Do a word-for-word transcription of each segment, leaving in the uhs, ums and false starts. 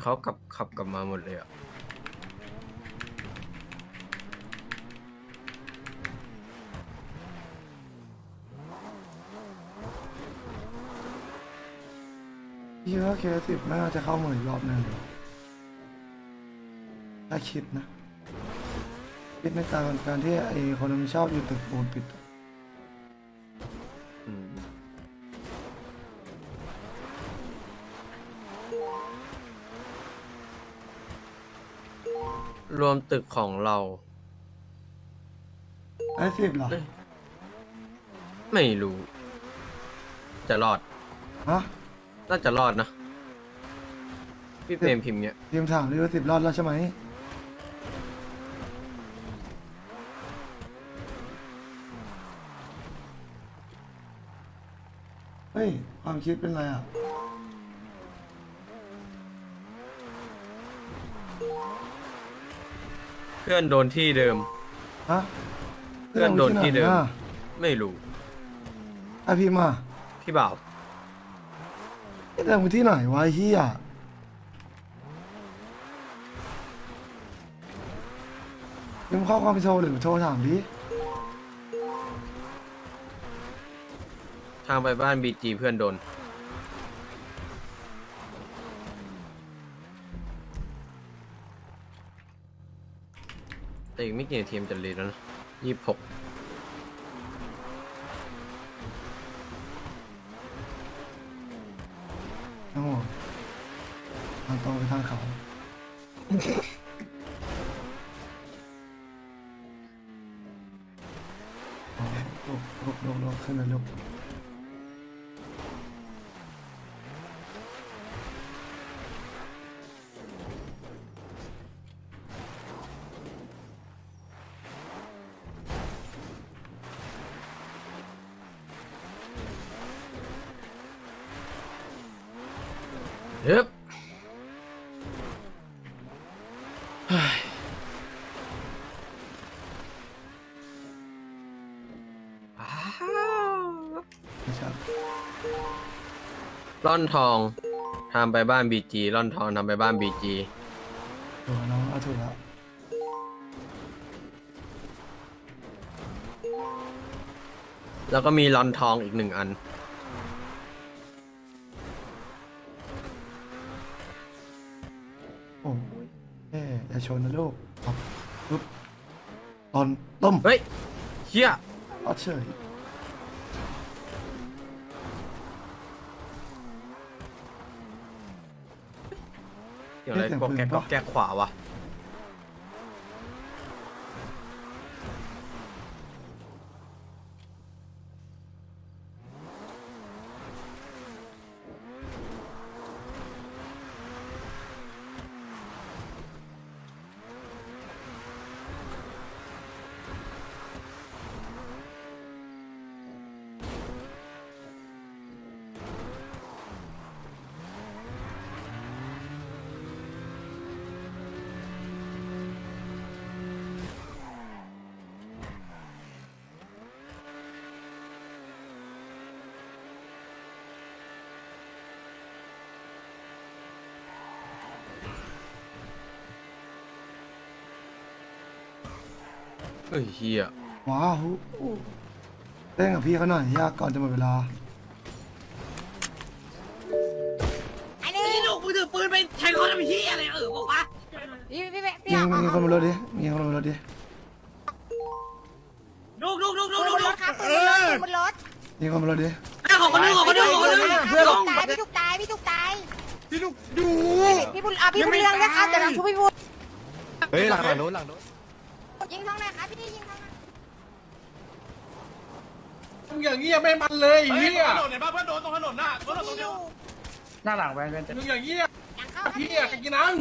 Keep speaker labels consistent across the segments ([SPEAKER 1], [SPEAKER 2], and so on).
[SPEAKER 1] เขากลับขับกลับมาหมดเลยอ่ะ
[SPEAKER 2] พี่ว่าเคสิบน่าจะเข้าเหมือนรอบหนึ่งถ้าคิดนะคิดในการการที่ไอ้คนมันชอบอยู่ตึกปูนปิด
[SPEAKER 1] อืมรวมตึกของเรา
[SPEAKER 2] ไอ้สิบเหรอ
[SPEAKER 1] เอ้ย ไม่รู้ จะรอด
[SPEAKER 2] ฮะ
[SPEAKER 1] น่าจะรอดนะ พี่เปรมพิมพ์เนี้ย
[SPEAKER 2] ทีมถามดิว่าสิบรอดแล้วใช่ไหมเฮ้ยความคิดเป็นไรอ่ะ
[SPEAKER 1] เพื่อนโดนที่เดิม
[SPEAKER 2] ฮะ
[SPEAKER 1] เพื่อนโดนที่เดิม
[SPEAKER 2] อ่ะ
[SPEAKER 1] ไม่รู้
[SPEAKER 2] ไอพี่มา
[SPEAKER 1] พี่บ่าว
[SPEAKER 2] ไอ้เดิมมึงที่ไหนวะไอ้เฮียมึงข้อความไปโทรหรือโทรถามดิ
[SPEAKER 1] ทางไปบ้านบีจีเพื่อนโดน แต่อีกไม่กี่นาทีมนจะรีแล้วนะยี่สิบหก
[SPEAKER 2] น้องบอกทางตรงไปทางเขาอ๋อลุกลุกลุกลุกขึ้นเลยลุก
[SPEAKER 1] เฮ้ยเฮ้ยอ้าว
[SPEAKER 2] ไม่ใช่
[SPEAKER 1] ร่อนทองทำไปบ้านบีจีร่อนทองทำไปบ้านบีจี
[SPEAKER 2] ถูกน้องเอาถูกแล้ว
[SPEAKER 1] แล้วก็มีร่อนทองอีกหนึ่งอัน
[SPEAKER 2] โอ้ยเอ๊ะอย่าชนนะลูกครับปึ๊บตอนต้ม
[SPEAKER 1] เฮ้ยเฮีย
[SPEAKER 2] อัดเฉย
[SPEAKER 1] อย่างไรก็แกกก็แกกขวาวะเฮ้ยเฮีย
[SPEAKER 2] ว้าวเล่นกับพี่เขาหน่อยยากก่อนจะหมดเวลา
[SPEAKER 3] ไอ้นี่ลูกมึงถือปืนไปแทงเขาทำเหี้ยอะไรเออบอกว่าพี่พี่พี่
[SPEAKER 2] มีมีคนบนรถดิ มีคนบนรถดิ
[SPEAKER 3] ลูกลูกลูกลูก
[SPEAKER 4] บ
[SPEAKER 3] ลูก
[SPEAKER 4] นร
[SPEAKER 3] ลู
[SPEAKER 4] ถ
[SPEAKER 3] ก
[SPEAKER 4] ครับบนรถ
[SPEAKER 2] มีคนบนรถดิ
[SPEAKER 3] ไอ้ของคนนึงของคนนึงของคนนึงเพื่อน
[SPEAKER 4] พี่ถูกตายพี่ถูกตาย
[SPEAKER 5] พี่ลูกดู
[SPEAKER 4] พี่บุญอ่ะพี่บุญเรืองนะครับเดี๋ยวเราช่วยพี่บุญ
[SPEAKER 5] เฮ้ยหลังหลังโน้นหลังโน้น
[SPEAKER 4] ยิงท้องไหนครับพี่ยิงท้องไหน
[SPEAKER 5] มึงอย่างเงี้ยไม่มันเลยเฮีย
[SPEAKER 6] ถนนเห็นป่ะเพื่อนโดนตรงถนนน่ะรถตรง
[SPEAKER 4] อ
[SPEAKER 6] เนี้ย
[SPEAKER 4] ยู่
[SPEAKER 5] หน้าหลังแวนแวนจะมึงอย่างเงี้ย
[SPEAKER 4] หลังเข้า
[SPEAKER 5] เฮียกันกินนัง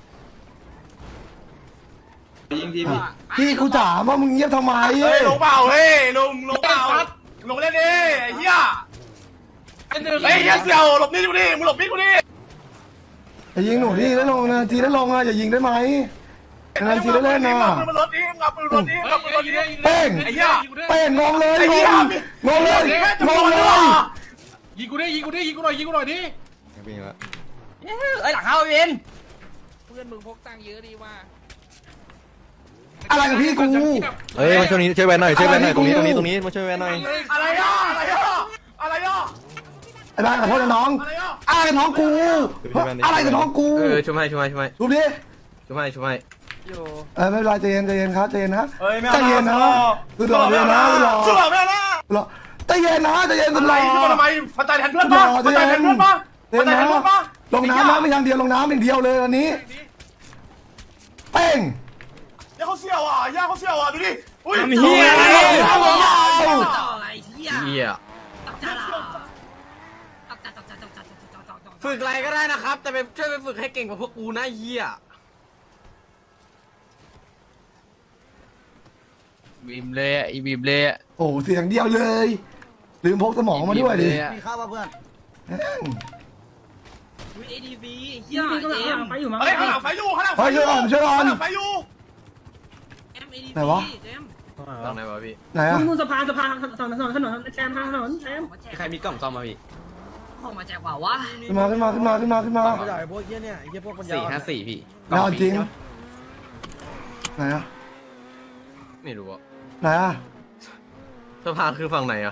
[SPEAKER 6] ยิงทีพี่
[SPEAKER 2] พี่กูถามว่ามึงเงียบทำไม
[SPEAKER 6] เฮ้ยลงเปล่าเฮ้ยลงลงเปล่าลงเล่นดิไอ้เหี้ย
[SPEAKER 5] ไอ้หนึ่ง
[SPEAKER 6] ไอ้เหี้ยเสี่ยวหลบนี่กูดิมึงหลบนี่กูดิ
[SPEAKER 2] อย่ายิงหนูดิแล้วลงนะทีแล้วลงอ่ะอย่ายิงได้ไหมนานทีแล้วเล่นนะ
[SPEAKER 6] มึงมันรถดิมึงเอาปืนรถดิมึงเอาปืนรถดิ
[SPEAKER 2] เป้ง
[SPEAKER 6] ไอ้เหี้ย
[SPEAKER 2] เป้งงงเลย
[SPEAKER 6] ไอ้
[SPEAKER 2] ง
[SPEAKER 6] เหี้ย
[SPEAKER 2] งงงเลยงงเลย
[SPEAKER 5] ยิงกูดิยิงกูดิยิงกูหน่อยยิงกูหน่อยดิ
[SPEAKER 3] เอ้ยหลังเข้าเวน
[SPEAKER 7] พื่อนมึงพกตังค์เยอะดีว่า
[SPEAKER 2] อะไรกับพี่กู
[SPEAKER 8] เอ้ยมาช่วยนี้ช่วยแวนหน่อยช่วยแวนหน่อยตรงนี้ตรงนี้ตรงนี้มาช่วยแวนหน่อย
[SPEAKER 6] อะไรอ่ะอะไรอ่ะอะไรอ่ะ
[SPEAKER 2] ไอ้บ้านขอโทษนะน้อง
[SPEAKER 6] อะไรอ่ะ
[SPEAKER 2] อะไรกับน้องกูอะไรกับน้องกู
[SPEAKER 1] เออช่วยให้ช่วยให้ช่วยให้
[SPEAKER 2] ดูดิ
[SPEAKER 1] ช่วยให้ช่วยให้
[SPEAKER 2] เออไม่เป็นไรใจเย็นใจเย็นครับใจเย็นนะ
[SPEAKER 6] เฮ้ยไม่
[SPEAKER 2] ใจเย็นนะคือรอเลยนะรอ
[SPEAKER 6] สุดหล่อไม่เอานะ
[SPEAKER 2] รอใจเย็นนะใจเย็น
[SPEAKER 6] อะ
[SPEAKER 2] ร
[SPEAKER 6] ไร
[SPEAKER 2] อ
[SPEAKER 6] ขึ้นมาทำไมพอใจแทนเพื่อนป่ะพอใจแทนเพื่อนป่ะพอใจแทนเพื่อนป่ะ
[SPEAKER 2] ลงน้ำนะไม่ทางเดียวลงน้ำอย่างเดียวเลยอันนี้เป้ง
[SPEAKER 6] ย่าเขาเสี่ยวอ่ะย่าเขาเสี่ยวอ่ะดูดิอุ้ย
[SPEAKER 3] เฮียอะไรต่ออะไรเฮีย
[SPEAKER 1] เหี้ย
[SPEAKER 3] ตับจ่าตับจ่าตับจ่าตับจ่าตับจ่าตับจ่า
[SPEAKER 1] ฝึกอะไรก็ได้นะครับ แต่ไปช่วยไปฝึกให้เก่งกว่าพวกกูนะเหี้ย
[SPEAKER 7] บีมเลยอ่ะอีบีมเลยอ่ะ
[SPEAKER 2] โอ้เสียงเดียวเลยลืมพกสมองมาด้วยดิ
[SPEAKER 7] มีข้าวป่ะเพื่อน
[SPEAKER 3] อุ้ยเอดีซีเฮียเจมไฟอยู่มั้ง
[SPEAKER 6] เฮ้ยข้างหลังไฟอยู่ข้างหลัง
[SPEAKER 2] เฮ้ยช่วยก่อนช่วยก่อน
[SPEAKER 6] ข้างหลังไฟอยู่
[SPEAKER 3] เอ็มเอดีซี
[SPEAKER 2] ไหนวะ
[SPEAKER 3] เจม
[SPEAKER 1] ตรงไหนวะพี่
[SPEAKER 2] ไหนอ่ะ
[SPEAKER 9] นู่นสะพานสะพานถนนถนนถนนแซมทางถนนแซม
[SPEAKER 1] ใครมีกล่องซ่อมมาพี่
[SPEAKER 3] ออกมาแจกเปล่าวะ
[SPEAKER 2] ขึ้นมาขึ้นมาขึ้นมาขึ้นมาขึ้นมา
[SPEAKER 1] สี่ห้าสี่พี่
[SPEAKER 2] ไม่เอาจริงไหนอ่ะ
[SPEAKER 1] ไม่รู้อะ
[SPEAKER 2] ไหนอ่ะ
[SPEAKER 1] สะพานคือฝั่งไหนอะ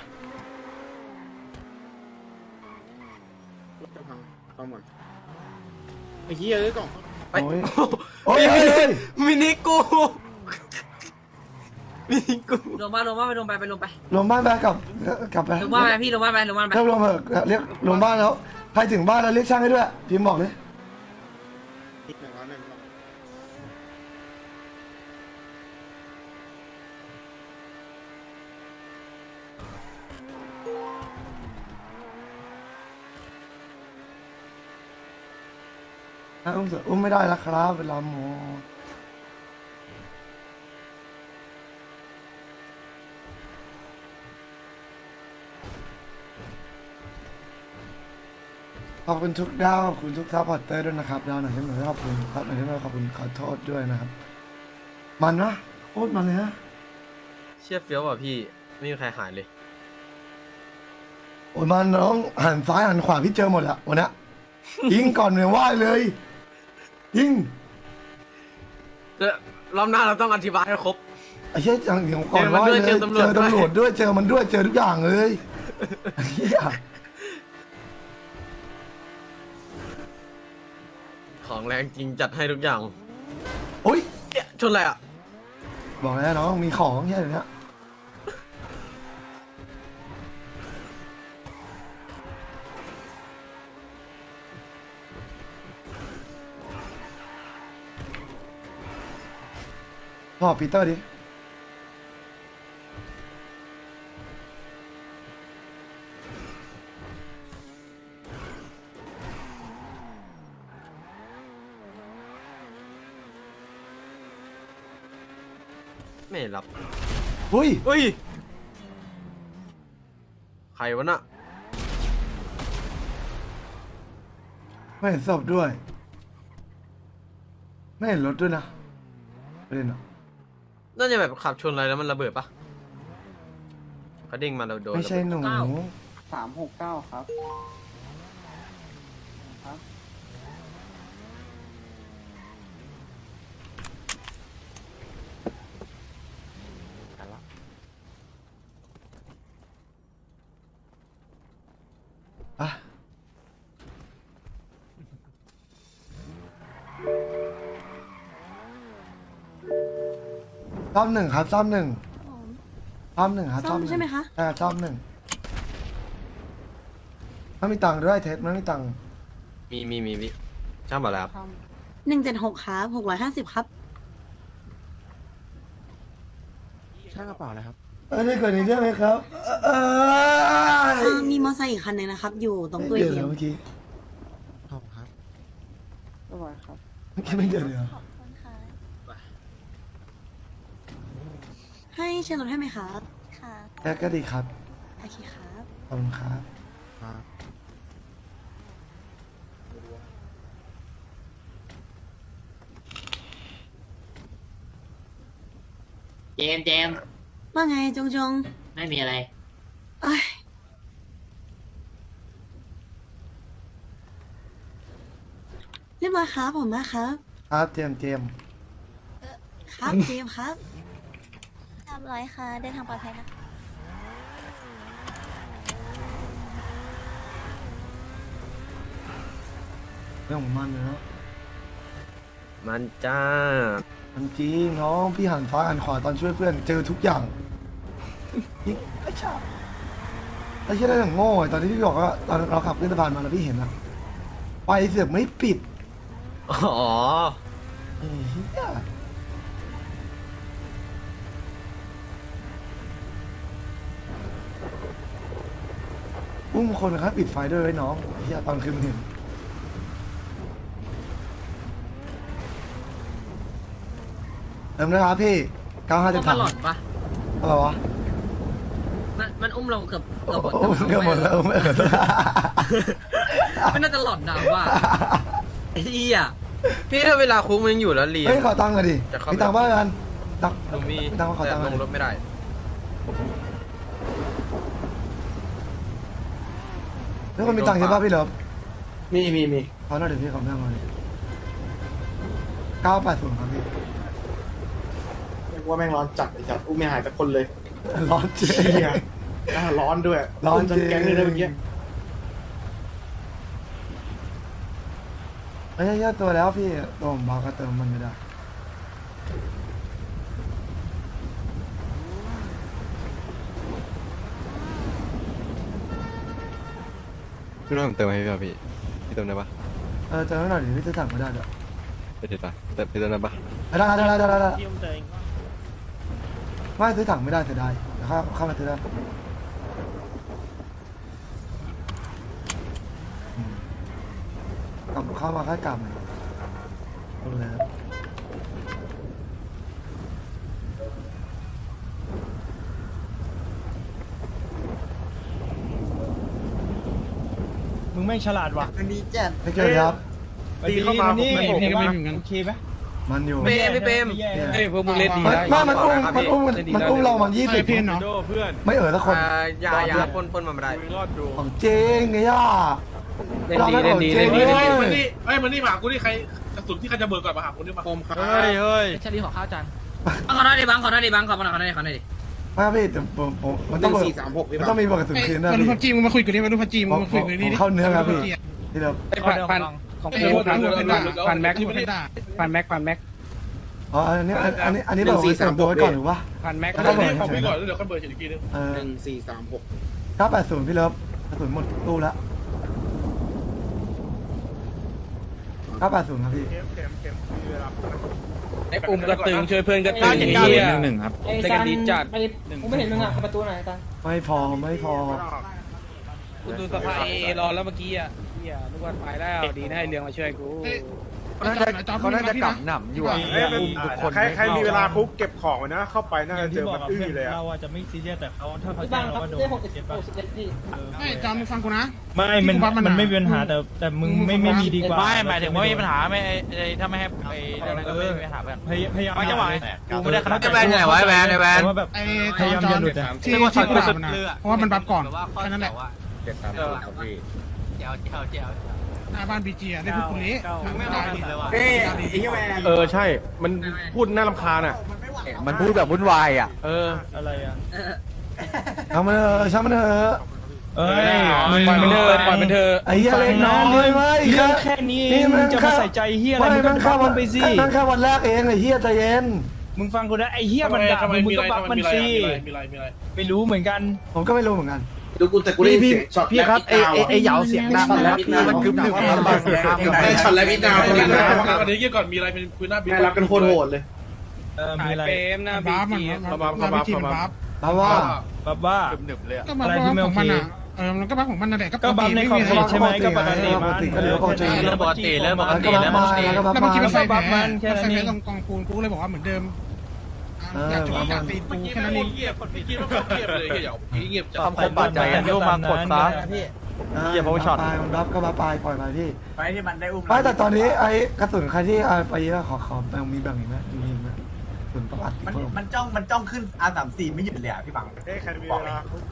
[SPEAKER 5] ไอ้เหี้ยเอ้ยกล่อง
[SPEAKER 1] ไป
[SPEAKER 2] โอ้ยโอ้ยเฮ้ยเฮ้ย
[SPEAKER 1] มินิกูมินิกู
[SPEAKER 3] ลงมาลงมาไปลงไปไปลงไป
[SPEAKER 2] ลงบ้านไปกลับกลับไป
[SPEAKER 3] ลงมาไปพี่ลงมาไปลงมาไป
[SPEAKER 2] เรียกลงเถอะเรียกลงบ้านแล้วใครถึงบ้านแล้วเรียกช่างให้ด้วยพิมพ์บอกเลยอ่ะอุ้มเถอะอุ้มไม่ได้แล้วครับเวลาหมอขอบคุณทุกดาวขอบคุณทุกซัพพอร์ตเตอร์ด้วยนะครับดาวหน่อยที่หน่อยขอบคุณครับหน่อยที่หน่อยขอบคุณขอโทษด้วยนะครับ มันนะโคตรมันเลยนะ
[SPEAKER 1] เชี่ยเฟี้ยวว่ะพี่ไม่มีใครหายเลย
[SPEAKER 2] โอ้ยมันน้องหันซ้ายหันขวาพี่เจอหมดละวันเนี้ยยิงก่อนเลยว่าเลยยิง
[SPEAKER 1] เดี๋ยวรอบหน้าเราต้องอธิบายให้ครบ
[SPEAKER 2] ไอ้เชี่ยอย่างเดียวก่อน
[SPEAKER 1] เจอมัน
[SPEAKER 2] ว่า
[SPEAKER 1] ด้วย
[SPEAKER 2] เลย
[SPEAKER 1] เจอตำรวจ
[SPEAKER 2] เจอตำรวจด้วยเจอมันด้วยเจอทุกอย่างเลยไอ้เหี้ย
[SPEAKER 1] ของแรงจริงจัดให้ทุกอย่าง
[SPEAKER 2] โอ้ย
[SPEAKER 1] เอ๊ะชนอะไรอ่ะ
[SPEAKER 2] บอกแล้วน้องมีของแค่เนี้ยบอกปีเตอร์ดิ
[SPEAKER 1] ไม่รับ
[SPEAKER 2] อุ้ย
[SPEAKER 1] เฮ้ยใครวะน่ะ
[SPEAKER 2] ไม่เห็นศพด้วย ไม่เห็นรถด้วยนะประเด็นอะ
[SPEAKER 1] น่าจะแบบขับชนอะไรแล้วมันระเบิดปะเขาเด้งมาเราโดน
[SPEAKER 2] ไม่ใช่หนู
[SPEAKER 5] สามหกเก้าครับ
[SPEAKER 2] อ่ะซ่อมหนึ่งครับซ่อมหนึ่งซ่อมหนึ่งครับ
[SPEAKER 4] ซ่อม
[SPEAKER 2] หนึ่ง
[SPEAKER 4] ใช่ไหมคะ
[SPEAKER 2] ใช่ครับซ่อมหนึ่งไม่มีตังค์ด้วยเท็ดไม่มีตังค์
[SPEAKER 1] มีมีมีพี่ช่างบอกแล้วครับ
[SPEAKER 4] หนึ่งเจ็ดหกครับหกร้อยห้าสิบครับ
[SPEAKER 8] ช่างกระเป๋าเลยครับ
[SPEAKER 2] เออได้เกิดในเรื่องไหมครับเออ
[SPEAKER 4] มีมอเตอร์ไซค์อีกคันหนึงนะครับ อยู่ตรงตู้
[SPEAKER 2] เดือด
[SPEAKER 4] เที
[SPEAKER 2] เหร
[SPEAKER 4] ย
[SPEAKER 2] อ
[SPEAKER 4] ม
[SPEAKER 2] เมื่อกี้
[SPEAKER 8] ขอบครับ
[SPEAKER 2] เมื่อกี้ไม่เดือดเลยเหรอ
[SPEAKER 4] ให้เชิญรถให้ไหมครับ ค่ะ
[SPEAKER 2] แค่ก็ดีครับ
[SPEAKER 4] โอเคครับ
[SPEAKER 2] ขอบคุณครับ
[SPEAKER 8] ครับ
[SPEAKER 3] เจมเจม
[SPEAKER 4] ว่าไงจงจง
[SPEAKER 3] ไม่มีอะไร
[SPEAKER 4] เอ้ยเรียบร้อยครับผมมาครับ
[SPEAKER 2] คครับเจมส์เจมส์
[SPEAKER 4] ครับเจมส์ครับ
[SPEAKER 10] เรียบร้อยค่ะ เดินทางปลอดภัยนะคะ
[SPEAKER 2] เรื่องของมันเลยเนาะ
[SPEAKER 1] มันจ้า
[SPEAKER 2] มันจริงน้องพี่หันฟ้าหันขวาตอนช่วยเพื่อนเจอทุกอย่างยิงไอ้ชาไอ้เชี่ยได้อย่างโง่อะตอนที่พี่บอกว่าตอนเราขับขึ้นสะพานมาแล้วพี่เห็นอะไฟเสือกไม่ปิด
[SPEAKER 1] อ๋อ
[SPEAKER 2] ไอ้เหี้ยอุ้มคนนะครับปิดไฟด้วยไว้น้องไอ้เหี้ยตอนคืนมันเห็นเติมนะครับพี่เก้าห้าจะ
[SPEAKER 3] มัน
[SPEAKER 2] ถัง
[SPEAKER 3] หลอดปะ
[SPEAKER 2] อะไรวะ
[SPEAKER 3] มันมันอุ้มเราเกือบเกือบหมด
[SPEAKER 2] โอ้เกือบหมดแล้วไม่เออ
[SPEAKER 3] ไม่น่าจะหลอดดาวว่าไอ้เหี้ย
[SPEAKER 1] พี่ถ้าเวลาคุกมันยังอยู่แล้วเรียน
[SPEAKER 2] เฮ้ยขอตังค์หน่อยดิ
[SPEAKER 1] จะเข้า
[SPEAKER 2] มีตังค์บ้างกันตังค์
[SPEAKER 1] หนูมี
[SPEAKER 2] ตังค์มาขอ
[SPEAKER 1] แต่
[SPEAKER 2] ตังค์ห
[SPEAKER 1] ล
[SPEAKER 2] น่อย
[SPEAKER 1] งรถไม่ได้
[SPEAKER 2] แล้วคนมีตังค์ใช่ป่ะพี่เลิฟ
[SPEAKER 6] มีมีมี
[SPEAKER 2] ขอหน่อยเดี๋ยวพี่ขอแม่งมาเลยเก้าแปดศูนย์ครับพี่
[SPEAKER 6] ว่าแม่งร้อนจัดไอ้จัดอุ้มไม่หายสักคนเลย
[SPEAKER 2] ร้อนเจ๊
[SPEAKER 6] เหี้ยอ่าร้อนด้วย
[SPEAKER 2] ร้อน
[SPEAKER 6] จน
[SPEAKER 2] เจ๊
[SPEAKER 6] แก๊งเลยนะเมื่อกี้
[SPEAKER 2] ไอ้ยตัวแล้วพี่ตัวผมบอกก็เติมมันไม่ได้
[SPEAKER 8] พี่น้องผมเติมให้พี่ป่ะพี่พี่เติมได้ปะ
[SPEAKER 2] เออเติมให้หน่อยดิพี่จะสั่งไม่ได้เดี๋ยว
[SPEAKER 8] ไปเถิดปะเติมพี่เติมได้ปะ
[SPEAKER 2] ได้ได้ได้ได้ได้ได้ไม่ซื้อถังไม่ได้เสียดายเดี๋ยวเข้าเข้ามาซื้อได้อืมกลับเข้ามาค่อยกลับหน่อยเอาเลยครับ
[SPEAKER 9] มึงไม่ฉลาดว่ะ
[SPEAKER 2] ไม่เจอครับ
[SPEAKER 9] ตีเข้ามานี่เห็นว่าโอเคไหม
[SPEAKER 2] มันอยู่
[SPEAKER 1] เปมพี่เปม
[SPEAKER 7] เฮ้ยพวกมึงเล่นดี
[SPEAKER 2] ไม่
[SPEAKER 7] ได้
[SPEAKER 2] ไม่มันอุ้มมันอุ้มมันอุ้มเรามันยี่สิบ
[SPEAKER 6] เพื่อนเนาะ
[SPEAKER 2] ไม่เออสักคน
[SPEAKER 1] อ่ายายาปนปนมาไม่ได้
[SPEAKER 2] ของเจ๊งไงย่า
[SPEAKER 7] เล่นดีเล่นดีเล่นดี
[SPEAKER 6] เฮ้ย
[SPEAKER 7] เล่น
[SPEAKER 6] มัน
[SPEAKER 7] ดี
[SPEAKER 6] นี่เฮ้ยมันนี่มาหากูนี่ใครกระสุนที่ใครจะเบิกก่อนมาหากูนี่มาโคมครับ
[SPEAKER 8] เฮ้ยเฮ้ย
[SPEAKER 7] ชาลีขอข้าวจาน
[SPEAKER 3] ขอหน่อยดิบังขอหน่อยดิบังขอหน่อยขอหน่อยขอหน่อยดิ
[SPEAKER 2] ไม่พี่แต่ผมผมมัน
[SPEAKER 6] ห
[SPEAKER 2] ต้อ
[SPEAKER 6] นึ่
[SPEAKER 2] ง
[SPEAKER 6] ง
[SPEAKER 2] เบิก
[SPEAKER 6] สี่สามหกพี่
[SPEAKER 2] มัน
[SPEAKER 6] บ้า
[SPEAKER 2] ต้องมีเบิกกระสุนคืนนะ
[SPEAKER 5] มาดู
[SPEAKER 2] พี่
[SPEAKER 5] พับจีมึงมาคุยกันดิมาดูพับจีมึ
[SPEAKER 2] ผ
[SPEAKER 5] ง
[SPEAKER 2] ม
[SPEAKER 5] มา
[SPEAKER 2] ผ
[SPEAKER 5] คุย
[SPEAKER 2] ม
[SPEAKER 5] กัน
[SPEAKER 2] ผ
[SPEAKER 5] ดิ
[SPEAKER 2] มเข้าเนื้อครับพี่ที่เรา
[SPEAKER 7] พันพันของพี่พันพันแม็ก
[SPEAKER 5] ที่มันได้
[SPEAKER 7] พันแม็กพันแม็ก
[SPEAKER 2] อ๋ออันนี้อันนี้อันนี้เราเสริมตัวไว้ก่อนหรือวะ
[SPEAKER 7] พันแม็ก
[SPEAKER 2] แล้วก็เบิก
[SPEAKER 6] ขอไปก่อนแล้วเดี๋ยวค่อยเบิกอีกทีนึง
[SPEAKER 2] เออ
[SPEAKER 6] หนึ่งสี่สามหก
[SPEAKER 2] เก้าแปดศูนย์พี่เลิฟกระสุนหมดตู้ละเก้าแปดศูนย์ครับพี่
[SPEAKER 7] ไอ้อุ้มกระตึงช่วยเพื่อนกระตึงเฮียหนึ่งครับได้กันดีจัด
[SPEAKER 9] ผมไม่เห็นมึงอ่ะประตูไหนตัง
[SPEAKER 2] ไม่พอไม่พอ
[SPEAKER 7] คุณดูสภาเอรอแล้วเมื่อกี้อ่ะเฮียนึกว่าไปแล้วดีนะให้เรืองมาช่วยกู
[SPEAKER 5] เขาน่าจะเขาน่าจะกลับหนับอยู่อ่ะ
[SPEAKER 6] ใครใครมีเวลาคุกเก็บของไว้นะเข้าไปน่าจะเจอมันอื้อเลยอะ
[SPEAKER 9] เราอาจจะไม่ซีเรียสแต่เขาถ้าเขา
[SPEAKER 3] บั
[SPEAKER 9] จ้าง ง
[SPEAKER 3] ครั
[SPEAKER 9] เรา
[SPEAKER 3] บ
[SPEAKER 9] ก็โดน
[SPEAKER 3] ได้หกสิบ
[SPEAKER 9] เก็ต
[SPEAKER 3] ห
[SPEAKER 9] ป่ะ
[SPEAKER 3] กสิบเอ็ดพี่
[SPEAKER 5] ไม่จำมึงฟังกูนะ
[SPEAKER 9] ไม่มันมันไม่มีปัญหาแต่แต่มึงไม่ไม่มีดีกว่า
[SPEAKER 7] ไม่หมายถึงว่ามีปัญหาไม่ถ้าไม่ให้ไอ้นั่นก็ไม่มีปัญหาแบบ
[SPEAKER 9] พยพยายาม
[SPEAKER 7] ไม่จะไหวกูไม่ได้ขนาด
[SPEAKER 1] ไอ้แวนไหนวะไอ้แวนไอ้แวน
[SPEAKER 9] ว่าแบบ
[SPEAKER 5] ไอ้
[SPEAKER 9] พยายามอย่าหลุดอะ
[SPEAKER 5] ที่ที่กูด่ามันนะเพราะว่ามันบัฟก่อนแค่นั้นแหละ
[SPEAKER 6] เจ็ดสามหกครับพี่
[SPEAKER 7] เจ้าเจ้าเจ้า
[SPEAKER 5] หน้าบ้านบีจีได้พูดกูนี้ไม่ตายดิ
[SPEAKER 6] เอ้ยไอ้เหี้ยแมนเออใช่ มันพูดน่ารำคาญอ่ะ
[SPEAKER 8] มันพูดแบบวุ่นวายอ่ะ
[SPEAKER 6] เออ
[SPEAKER 9] อะไรอ่ะ
[SPEAKER 2] เอามันเถอะช่างมันเถอะ
[SPEAKER 9] เอ้ย
[SPEAKER 7] ปล่อยมันเถอะปล่อยมันเถอะ
[SPEAKER 2] ไอ้เหี้ยเล็กน้อยไม่
[SPEAKER 9] เรื่องแค่นี้มึงจะมาใส่ใจเฮียอะไรมึงก็
[SPEAKER 2] มัน
[SPEAKER 9] บั
[SPEAKER 2] แค่
[SPEAKER 9] ฟ
[SPEAKER 2] วั
[SPEAKER 9] มัน นไปสิ
[SPEAKER 2] นั่นแค่วันแรกเองไอ้เหี้ยใจเย็น
[SPEAKER 9] มึงฟังกูนะไอ้เฮียมันด่ามึงมึงก็บัฟมันสิ
[SPEAKER 6] มีอะไรมีอะไร
[SPEAKER 9] ไม่รู้เหมือนกัน
[SPEAKER 2] ผมก็ไม่รู้เหมือนกัน
[SPEAKER 6] ดูกูแต่กูได้ยินเสียงช็อต
[SPEAKER 8] พี่ครับไอ้ไอ้ไอ้เหยาเสียงดังแล้วพี่มันกึ๊บหนึ่ง
[SPEAKER 6] ได้ช็อตแล้วพี่ดาวคนนี้นะ
[SPEAKER 11] อันนี้เกี่ยวก่อนมีอะไรเป็นคุยหน้าบิ๊ก
[SPEAKER 6] ได้รับกันโคตรโหดเลย
[SPEAKER 9] เออมีอะไร
[SPEAKER 7] เปมนะ
[SPEAKER 5] บั
[SPEAKER 7] บี
[SPEAKER 5] ฟมัน
[SPEAKER 7] จี
[SPEAKER 5] บัฟบัฟบีจีมันบัฟ
[SPEAKER 2] เพราะว่า
[SPEAKER 9] บัฟว่า
[SPEAKER 8] หนึบเลยอ่ะ
[SPEAKER 5] ก็บัฟของมันอ่ะเออมันก็บัฟของมันนั่นแหละก็
[SPEAKER 9] ก็บัฟในขอบเขตใช่ไหมก็ปกติ
[SPEAKER 2] ป
[SPEAKER 9] มั
[SPEAKER 2] ก
[SPEAKER 9] น
[SPEAKER 2] ติก็เหลือปกติ
[SPEAKER 1] เริ่มปกติเริ่มปก
[SPEAKER 2] มัน
[SPEAKER 1] ติ
[SPEAKER 2] ก็
[SPEAKER 1] เริ่มป
[SPEAKER 2] มาก
[SPEAKER 1] ติ
[SPEAKER 2] แล้วก็มา
[SPEAKER 5] แล้วเมื่อกี้มัน
[SPEAKER 2] มา
[SPEAKER 5] ใส่แผลมันใส่แผลตรงกองปูนกูเลยบอกว่าเหมือนเดิมอยากจะอยากตีปูแค่นั้นเอง
[SPEAKER 11] เงียบคนเงียบเงียบเลยเงียบเงียบจัด
[SPEAKER 8] คำคมบาดใจอ่ะโยมมากดซะ เหี้ย power shot
[SPEAKER 2] ไปมันรับก็มาปลายปล่อยไปพี่
[SPEAKER 3] ไปที่มันได้อุ้ม
[SPEAKER 2] ไม่แต่ตอนนี้ไอ้กระสุนใครที่เอาไปเยอะขอขอแบ่งมีแบ่งอีกไหมมีอีกไหมกระสุนประวัติ
[SPEAKER 3] มัน
[SPEAKER 2] เพิ่ม
[SPEAKER 3] มันจ้องมันจ้องขึ้นอาสามสี่ไม่หยุดเลยอ่ะพี่บัง
[SPEAKER 6] เอ้ยใครมีเวลาคุกใคร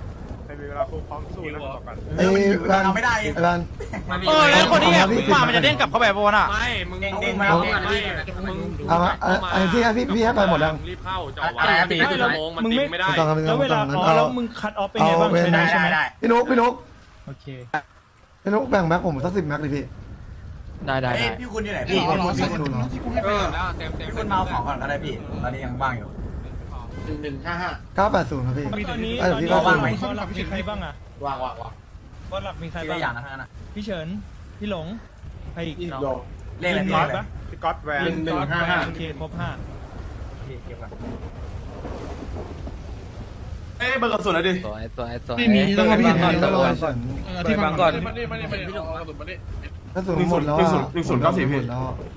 [SPEAKER 6] รมีเวลาคุกพร้อมสู้นะบอกกัน
[SPEAKER 2] ไอ้ร้านไม่ได้ร้าน
[SPEAKER 7] เออแล้วคนนี้ไง
[SPEAKER 2] พี่
[SPEAKER 7] มามันจะเด้งกลับเข้าไปบนอ่ะ
[SPEAKER 3] ไม่มึงเด้งเด้ง
[SPEAKER 2] เอาเอามาไอ้ที่พี่พี่ให้ไปหมดยัง
[SPEAKER 11] รีบเข้าจะ
[SPEAKER 7] อะไรนะพี่
[SPEAKER 11] ไม่ชั่วโมงมันดิ้งไม่ได้
[SPEAKER 2] ต้องทำเป็น
[SPEAKER 9] แล้วเวลา
[SPEAKER 2] นั้น
[SPEAKER 9] อ๋อ
[SPEAKER 2] เอา
[SPEAKER 9] แล้วมึงคัดออฟเป็น
[SPEAKER 2] เอา
[SPEAKER 9] ไงบ้าง
[SPEAKER 2] เวน
[SPEAKER 9] ใช้ได้ใช่ไหม
[SPEAKER 2] พี่นุ๊กพี่นุ๊ก
[SPEAKER 9] โอเค
[SPEAKER 2] พี่นุ๊กแบ่งแม็กผมสักสิบแม็กเลยพี่
[SPEAKER 7] ได้ได้ได้
[SPEAKER 5] พี่คุณอยู่ไหนพี่รอรอสักคนที่กูให้ไป
[SPEAKER 3] พี่คุณมาเอาของก่อนก็ได้พี่ตอนนี้ยังว่างอยู่
[SPEAKER 11] หนึ่งหนึ่งห้าห้า
[SPEAKER 2] เก้าแปดศูนย์ครับพี่
[SPEAKER 9] ตอนนี้
[SPEAKER 2] เอ้ย
[SPEAKER 9] ตอน
[SPEAKER 2] พี่
[SPEAKER 9] นี้
[SPEAKER 2] ก็
[SPEAKER 9] บ้า
[SPEAKER 2] ว่าง ง
[SPEAKER 9] ไห
[SPEAKER 2] ไห
[SPEAKER 9] ม
[SPEAKER 2] ม
[SPEAKER 9] บอลหลักมีใครบ้างอ่ะ
[SPEAKER 11] วางวางวาง
[SPEAKER 9] บอลหลักมีใคร
[SPEAKER 3] ที
[SPEAKER 9] บ้า
[SPEAKER 3] ละ
[SPEAKER 9] ง
[SPEAKER 3] อย่างนะทั้งนั้นนะ
[SPEAKER 9] พี่เฉินพี่หลงใครอีก
[SPEAKER 11] อีก
[SPEAKER 9] เนาะ
[SPEAKER 11] โล
[SPEAKER 3] เลขอะไร
[SPEAKER 9] มี
[SPEAKER 3] พี่
[SPEAKER 9] ปะ
[SPEAKER 6] พี่ก๊อตแวน
[SPEAKER 11] หนึ่งหนึ่งห้าห้า
[SPEAKER 9] โอเคครบห้า
[SPEAKER 11] เอ้เบอร์กระสุนอะไรดิ
[SPEAKER 7] ตัวไอ้ตัวไอ้ตัว
[SPEAKER 5] ไม่มีต้องมาพี่
[SPEAKER 2] บาง
[SPEAKER 5] เห็น
[SPEAKER 2] ก่อน
[SPEAKER 5] แล้ว
[SPEAKER 2] บางก่อน
[SPEAKER 5] เออที่ฟังก่อน
[SPEAKER 11] มาดิมาดิมาดิพี่หลงกระสุนมาดิ
[SPEAKER 2] กระสุนหมดแล้วอ่ะหนึ่งศูนย์เก้าสี่พี่แล้ว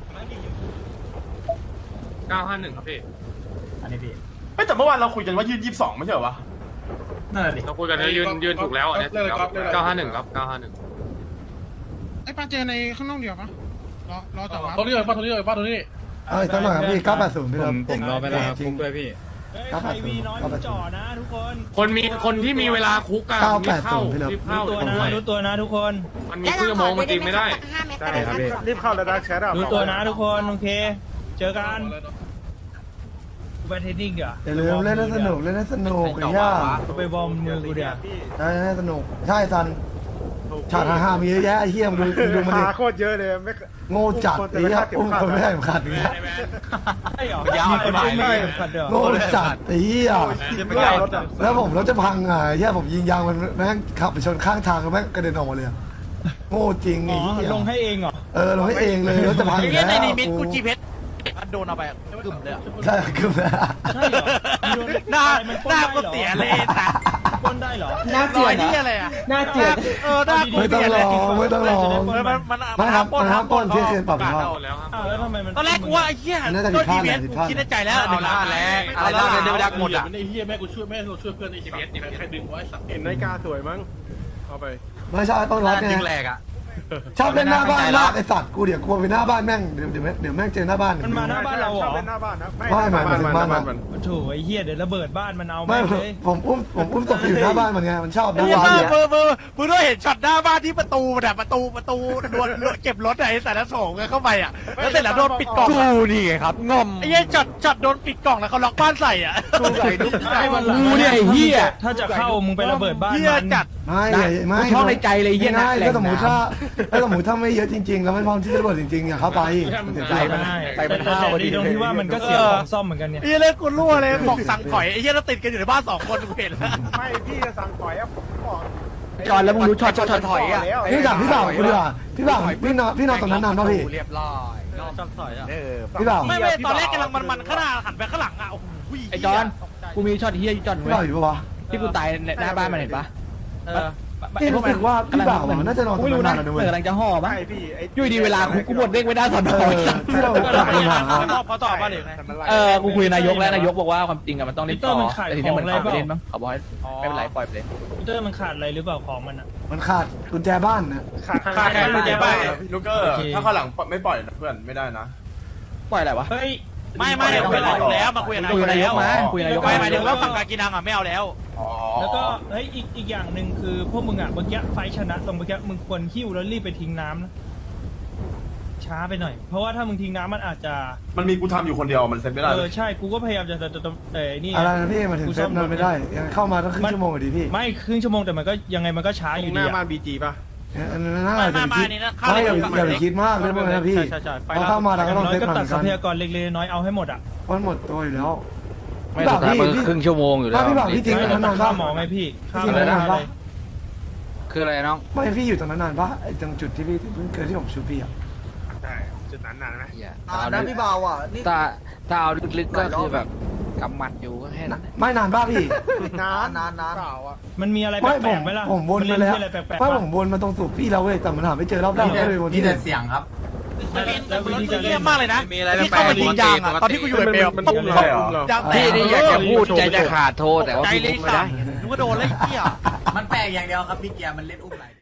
[SPEAKER 11] เก้าห้าหนึ่งครับพี่
[SPEAKER 3] อันนี้พี่
[SPEAKER 11] เฮ้ยแต่เมื่อวานเราคุยกันว่ายืนยี่สิบสองไม่ใช่เหรอวะ
[SPEAKER 3] นั่นแหละดิ
[SPEAKER 11] เราคุยกันยืนยืนถูกแล้วอันนี้เก้าห้าหนึ่งครับเก้าห้าหนึ่ง
[SPEAKER 5] ไอ้ปลาเจอในข้างนอกเดียวปะรอรอจับวะ
[SPEAKER 11] ตรงนี้เลยป้าตรงนี้เลยป้าตรงนี้
[SPEAKER 2] เอาอีกสักหน่อยครับพี่เก้าแปดศูนย์พี่ครับ
[SPEAKER 9] ผมรอไปแล้วครับ
[SPEAKER 2] จริงด้วยพี่
[SPEAKER 9] เฮ้ย
[SPEAKER 2] ครับ
[SPEAKER 9] ใครวีน้อยมึงจ่อนะทุกคน
[SPEAKER 11] คนมีคนที่มีเวลาคุกกัน
[SPEAKER 2] เก้า
[SPEAKER 11] รี
[SPEAKER 2] แป
[SPEAKER 11] บ
[SPEAKER 2] ด
[SPEAKER 11] เข้า
[SPEAKER 2] ศูนย์พี่เลิฟ
[SPEAKER 11] รีบเข้า
[SPEAKER 9] รู้ตัวนะรู้ตัวนะทุกคน
[SPEAKER 11] มันมีครึ่งชั่วโมงมันจริงไม่ได้
[SPEAKER 6] ได้ครับพี่รีบเข้าแล้วนะแชทอ่ะ
[SPEAKER 9] รู้ตัวนะทุกคนโอเค เจอกันกูไปเทรนนิ่งเดี๋ยว
[SPEAKER 2] อย่าลืมเล่นให้สนุกเล่นให้สนุกไอ้ย่า
[SPEAKER 9] กูไปบอมมือกูเดี๋ยว
[SPEAKER 2] ได้ให้สนุกใช่ซันฉากฮ่าๆมีเยอะแยะไอ้เหี้ยมึงดูมึงดูมันดิ
[SPEAKER 6] พาโคตรเยอะเลยไม่
[SPEAKER 2] โง่จัดไอ้เหี้ยอุ้มคนไม่ได้เข็มขัดอย่างเงี้ย
[SPEAKER 9] ใช่เหรอมีคนอุ้มไม่ได้เข็มขัดเดี๋ยว
[SPEAKER 2] โง่จัดไอ้เหี้ย
[SPEAKER 6] ไม่ได้รถอ่ะ
[SPEAKER 2] แล้วผมรถจะพังไงไอ้เหี้ยผมยิงยางมันแม่งขับไปชนข้างทางแล้วแม่งกระเด็นออกมาเลยอะโง่จริง
[SPEAKER 9] อ๋
[SPEAKER 2] ไอ้
[SPEAKER 9] อ
[SPEAKER 2] เหี้ย
[SPEAKER 9] ลงให้เองเหรอ
[SPEAKER 2] เออลงให้เองเลยรถจะพังอยู่แล้ว
[SPEAKER 7] กูจีเพชรโดนเอาไปกึ่มเลย
[SPEAKER 2] ใช่คือแบบ
[SPEAKER 9] ใช่เหรอมีโดน
[SPEAKER 7] หน้า
[SPEAKER 9] มัน
[SPEAKER 7] หน้าก็เสียเลยแต่
[SPEAKER 9] ปล้นได้เหรอ
[SPEAKER 7] หน้าเสียนี่อะไรอ่ะหน้าเสียเออหน้า
[SPEAKER 2] ไม่ต้องรอไม่ต้องรอ
[SPEAKER 7] มันมัน
[SPEAKER 2] ไม่ครับมันห้ามปล้นเที่ยงคืนปรับ
[SPEAKER 11] กา
[SPEAKER 2] ผิดชอบ
[SPEAKER 11] ดเอาแล้วครับ
[SPEAKER 9] อ้าวแล้วทำไมมัน
[SPEAKER 7] ตอนแรกกูว่าไอ้เหี้ย
[SPEAKER 2] อันนั้นจะผิดพลาดแหละผิดพลาด
[SPEAKER 7] คิดในใจแล้ว
[SPEAKER 11] เอาละ
[SPEAKER 7] แล้ว
[SPEAKER 11] อะไร
[SPEAKER 7] แล้ว
[SPEAKER 11] นะ
[SPEAKER 7] เดี๋ยวดักหมดอ่ะ
[SPEAKER 11] ไอ้เฮียแม่กูช่วยแม่เราช่วยเพื่อนไอ้สัตว์ใครดึงไว้สัตว์
[SPEAKER 6] เห็นนาฬิกาสวยมั้งเอาไป
[SPEAKER 2] ไม่ใช่ต้องรถไง
[SPEAKER 7] จริงแหลกอ่ะ
[SPEAKER 2] ชอบเล่นหน้าบ้านมากไอสัตว์กูเดี๋ยวกลัวไปหน้าบ้านแม่งเดี๋ยวเดี๋ยวเดี๋ยวแม่งเจอหน้าบ้าน
[SPEAKER 9] มันมาหน้าบ้านเราเหร
[SPEAKER 6] ช
[SPEAKER 9] อ
[SPEAKER 6] อบเล่นหน้าบ้านนะ
[SPEAKER 2] ไม่ไม่ไม่ถึงบ้านมัน
[SPEAKER 9] โอ้โถไอ้เหี้ยเดี๋ยวระเบิดบ้านมันเอา
[SPEAKER 2] ไม่
[SPEAKER 9] ไม่เลย
[SPEAKER 2] ผมอุ้มผมอุ้มศพไปอยู่หน้าบ้านมันไงมันชอบ
[SPEAKER 7] ไอ้
[SPEAKER 2] นะ
[SPEAKER 7] เหี้ย
[SPEAKER 2] วาน
[SPEAKER 7] มึ
[SPEAKER 2] เนี่ย
[SPEAKER 7] งมึงมึงมึงต้องเห็นช็อตหน้าบ้านที่ประตูมันอะประตูประตูโดนเก็บรถไอ้แต่ละโถงเข้าไปอ่ะแล้วเสร็จแล้วโดนปิดกล่องกูนี่ไงครับงอมไอ้เหี้ยช็อตช็อตโดนปิดกล่องแล้วเขาล็อกบ้านใส่อ่ะกูใส่ดิ
[SPEAKER 9] ไอ้วันหลัง
[SPEAKER 7] กูเนี่ยไอ้เหี้ย
[SPEAKER 9] ถ้าจะเข้ามึงไประเบิดบ้าน
[SPEAKER 7] เหี้ย
[SPEAKER 9] มัน
[SPEAKER 7] จัด
[SPEAKER 2] ไม่ไม่
[SPEAKER 7] กูชอบในใจเลยเหี้ยนะ
[SPEAKER 2] ง่าย
[SPEAKER 7] แหล่ง
[SPEAKER 2] ถ้าสมมติ
[SPEAKER 7] น้ำ
[SPEAKER 2] ถ้าถ้าสมมติถ้าไม่เยอะจริง ๆ แล้วไม่พร้อมที่จะระเบิดจริงๆอย่าเข้าไปเสียใจ
[SPEAKER 9] ใช่
[SPEAKER 2] มัน
[SPEAKER 7] ไปมัน
[SPEAKER 9] แต่
[SPEAKER 7] ห้าว
[SPEAKER 9] แต่ดีตรงที่ว่ามันก็เสียของซ่อมเหมือนกันเนี่ย
[SPEAKER 7] ไอ้เหี้ยเล่นกูรั่วเลยบอกสั่งถอยไอ้เหี้ยแล้วติดกันอยู่ในบ้านสองคนกูเห็นแล้ว
[SPEAKER 6] ไม่พี่จะสั่งถอยอ่ะผมบอก
[SPEAKER 7] จอนแล้วมึงรู้ช็อตช็อตช็อตถอยอ่ะ
[SPEAKER 2] พี่ถามพี่บ่าวคุณดีกว่าพี่บ่าวพี่นอนพี่นอนตรงนั้นนานป่ะพี่
[SPEAKER 7] เรียบร้อยนอนช็อตถอยอ่ะ
[SPEAKER 2] พี่บ่าว
[SPEAKER 7] ไม่ไม่ตอนแรกกำลังมันมันข้างหน้าหันไปข้างหลังอ่ะโอ้โหไอ้จอนกูมีช็อตเฮียจอน
[SPEAKER 2] พี่บ่าวอยู่ปะวะ
[SPEAKER 7] ที่กูตายหน้าบ้านมันเห็นปะเออ
[SPEAKER 2] พี่รู้สึกว่าพี่บ่าวอะน่าจะนอนตรงนั้นนานแล้วด้วย
[SPEAKER 7] กำลังจะห่อมั้ง
[SPEAKER 6] ใช่พี่ไอ้
[SPEAKER 7] อยู่ดีเวลาคุกกูหมดเด้งไม่ได้สอน
[SPEAKER 2] เอ
[SPEAKER 7] อ
[SPEAKER 2] อที่เรากลับไปหา
[SPEAKER 7] เขาตอบมาหรือไง
[SPEAKER 6] แต่มันไล่
[SPEAKER 7] เออกูคุยนายกแล้วนายกบอกว่าความจริงอะมันต้องรีบต่อ
[SPEAKER 9] มันขาย
[SPEAKER 7] แต่ทีนี้มัน
[SPEAKER 9] ของอะไร
[SPEAKER 7] เอาไป
[SPEAKER 9] เปล่า
[SPEAKER 7] เล่นมั้งเขาบอกให้ไม่เป็นไรปล่อยไปเลย
[SPEAKER 9] คอมพิวเตอร์มันขาดอะไรหรือเปล่าของมันอ่ะ
[SPEAKER 2] มันขาดกุญแจบ้านนะ
[SPEAKER 6] ขาด
[SPEAKER 7] ขาดแค่กุญแจบ้าน
[SPEAKER 11] พี่ลูกเกอร์
[SPEAKER 9] โอเค
[SPEAKER 11] ถ้าข้างหลังไม่ปล่อยนะเพื่อนไม่ได้นะ
[SPEAKER 7] ปล่อยอะไรวะ
[SPEAKER 9] เฮ้ย
[SPEAKER 7] ไม่ไม่เดี๋ยวคุยนายกแล้วมาคุยนายกแล้วมาคุยนายกไม่หมายถึงว่าฝั่งการกินนังอ่ะไม่เอาแล้ว
[SPEAKER 11] อ๋อ
[SPEAKER 9] แล้วก็เฮ้ยอีกอีกอย่างหนึ่งคือพวกมึงอ่ะเมื่อกี้ไฟท์ชนะตรงเมื่อกี้มึงควรหิ้วแล้วรีบไปทิ้งน้ำนะช้าไปหน่อย เพราะว่าถ้ามึงทิ้งน้ำมันอาจจะ
[SPEAKER 11] มันมีกูทำอยู่คนเดียวมันเซ็ตไม่ได้
[SPEAKER 9] เอ
[SPEAKER 11] เล
[SPEAKER 9] อย ใช่กูก็พยายามจะจะจะเออนี่
[SPEAKER 2] อะไรนะพี่มาถึงเซฟนอนไม่ได้ยังเข้ามาต้องครึ่งชั่วโมงอยู่ดีพี่
[SPEAKER 9] ไม่ครึ่งชั่วโมงแต่มันก็ยังไงมันก็ช้าอยู่
[SPEAKER 6] ห
[SPEAKER 9] ดี
[SPEAKER 6] น้า
[SPEAKER 9] อะ
[SPEAKER 6] บ้านบีจีป่ะ
[SPEAKER 2] อันนั้นน่าจะไปคิด
[SPEAKER 7] มามามานี่นะเข้า
[SPEAKER 2] ไม่อย่า
[SPEAKER 7] เลย
[SPEAKER 2] อย่าไปคิดมากเรื่องพวกนั้นนะพี่
[SPEAKER 9] ใช่ใช่ใช่
[SPEAKER 2] พอเข้ามาเราก็ต้อง
[SPEAKER 9] น้อ
[SPEAKER 2] เซ
[SPEAKER 9] ย
[SPEAKER 2] ฟ
[SPEAKER 9] ก็
[SPEAKER 2] หน่อย
[SPEAKER 9] ตัด
[SPEAKER 2] เหมือน
[SPEAKER 9] ทรั
[SPEAKER 2] กัน
[SPEAKER 9] พยากรเล็กๆน้อยๆเอาให้หมดอ่ะ
[SPEAKER 2] เพราะมันหมดตัวอยู่แล้ว
[SPEAKER 7] ไม่สุดท้ายมันครึ่งชั่วโมงอยู่แล้ว
[SPEAKER 2] ถ้าพี่บ่าวพี่ทิ้งตรงนั้นนาน
[SPEAKER 9] ข้า
[SPEAKER 2] ปะ
[SPEAKER 9] หมอไงพี่ข้า
[SPEAKER 2] พี่
[SPEAKER 9] หม
[SPEAKER 2] ทิ้ง
[SPEAKER 9] อ
[SPEAKER 2] ตรงนั้นนานปะ
[SPEAKER 7] คืออะไรน้อง
[SPEAKER 2] ไม่พี่อยู่ตรงนั้นนานปะไอ้ตรงจุดที่พี่เพิ่งเกิดที่ผมชูพี่อ่ะ
[SPEAKER 6] ใช่จุดนั้นนานไหม
[SPEAKER 7] อ่านะพี่เบาอ่ะถ้าถ้าเอาลึกๆก็คือแบบกำหมัดอยู่ก็แค่นั้น
[SPEAKER 2] ไม่นานปะพี่
[SPEAKER 6] นานนานนาน
[SPEAKER 9] มันมีอะไรแ
[SPEAKER 2] ไม่
[SPEAKER 9] ป
[SPEAKER 2] ผ
[SPEAKER 9] ล
[SPEAKER 2] ม
[SPEAKER 9] กๆไหมล่ะ
[SPEAKER 2] ผมวน
[SPEAKER 9] น
[SPEAKER 2] มา
[SPEAKER 9] เล่น
[SPEAKER 2] แล้ว
[SPEAKER 9] ที่อะไรแปลกๆ
[SPEAKER 2] ไม่
[SPEAKER 9] ปะ
[SPEAKER 2] ผมวนมาตรงสูบพี่เราเว้ยแต่มันหาไม่เจอรอบแรกก็เลยวนที่เดิม
[SPEAKER 3] เสียงครับ
[SPEAKER 9] แล้ววิธีการ
[SPEAKER 7] เยี่
[SPEAKER 9] เล่
[SPEAKER 7] ย
[SPEAKER 9] น
[SPEAKER 7] มมากเลยนะที่เข้ามายิงยางอ่ะตอนที่กูอยู่ในเบล
[SPEAKER 6] มันตุ้มเลยเหรอ
[SPEAKER 7] ยางแต
[SPEAKER 8] พี่
[SPEAKER 7] ก
[SPEAKER 8] นี่อยากจะพูดใจจะขาดโทษแต่ว่า
[SPEAKER 7] ใจ
[SPEAKER 8] พี่
[SPEAKER 7] เลย
[SPEAKER 8] พูดไม่
[SPEAKER 7] สั่
[SPEAKER 8] ได้
[SPEAKER 7] นนึกว่าโดนแล้วไอ้เหี้ย
[SPEAKER 3] มันแปลกอย่างเดียวครับพี่เกียร์มันเล่นอุ้มไหล